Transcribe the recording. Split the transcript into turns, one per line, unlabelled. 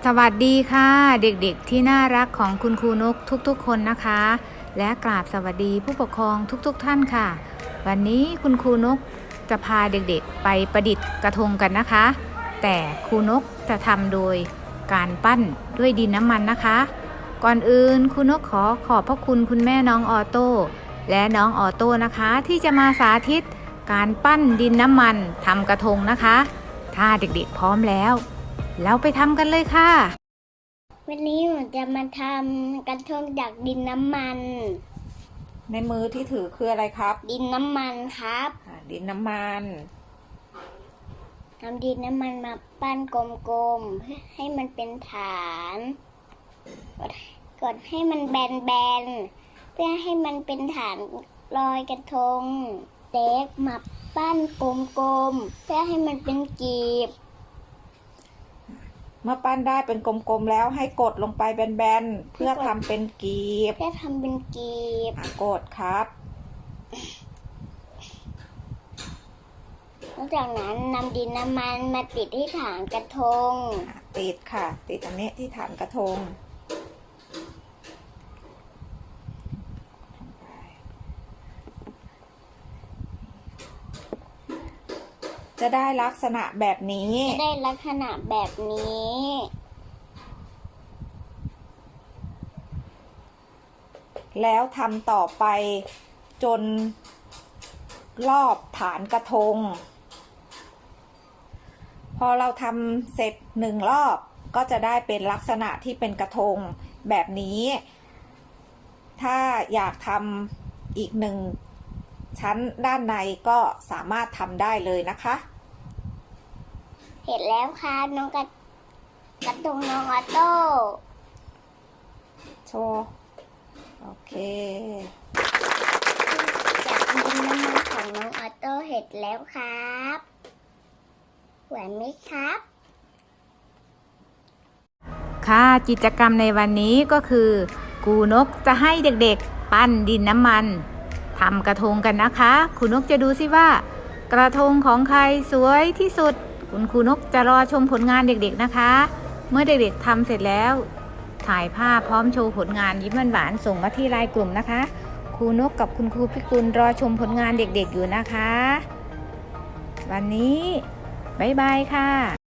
สวัสดีค่ะเด็กๆที่น่ารักของคุณครูนกทุกๆคนนะคะและกราบสวัสดีผู้ปกครองทุกๆท่านค่ะวันนี้คุณครูนกจะพาเด็กๆไปประดิษฐ์กระทงกันนะคะแต่ครูนกจะทำโดยการปั้นด้วยดินน้ำมันนะคะก่อนอื่นครูนกขอบพระคุณคุณแม่น้องออโต้และน้องออโต้นะคะที่จะมาสาธิตการปั้นดินน้ำมันทำกระทงนะคะถ้าเด็กๆพร้อมแล้วเราไปทำกันเลยค่ะ
วันนี้หนูจะมาทำกระทงจากดินน้ำมัน
ในมือที่ถือคืออะไรครับ
ดินน้ำมันครับ
ดินน้ำมัน
ทำดินน้ำมันมาปั้นกลมๆให้มันเป็นฐานกดให้มันแบนๆเพื่อให้มันเป็นฐานลอยกระทงเล็กมาปั้นกลมๆเพื่อให้มันเป็นกีบ
เมื่อปั้นได้เป็นกลมๆแล้วให้กดลงไปแบนๆเพื่อทำเป็นกีบกดครับ
หลังจากนั้นนำดินน้ำมันมาติดที่ฐานกระทง
ติดค่ะติดอันนี้ที่ฐานกระทงจะได้ลักษณะแบบนี้แล้วทำต่อไปจนรอบฐานกระทงพอเราทำเสร็จ1 รอบก็จะได้เป็นลักษณะที่เป็นกระทงแบบนี้ถ้าอยากทำอีก1 ชั้นด้านในก็สามารถทำได้เลยนะคะ
เสร็จแล้วค่ะน้องกระทงน้องออโต้
โชว์โอเค
จากดินน้ำมันของน้องออโต้เสร็จแล้วครับสวยไหมครับ
ค่ะกิจกรรมในวันนี้ก็คือครูนกจะให้เด็กๆปั้นดินน้ำมันทำกระทงกันนะคะครูนกจะดูสิว่ากระทงของใครสวยที่สุดคุณครูนกจะรอชมผลงานเด็กๆนะคะเมื่อเด็กๆทำเสร็จแล้วถ่ายภาพพร้อมโชว์ผลงานยิ้มหวานๆส่งมาที่ไลน์กลุ่มนะคะครูนกกับคุณครูพิกุลรอชมผลงานเด็กๆอยู่นะคะวันนี้บ๊ายบายค่ะ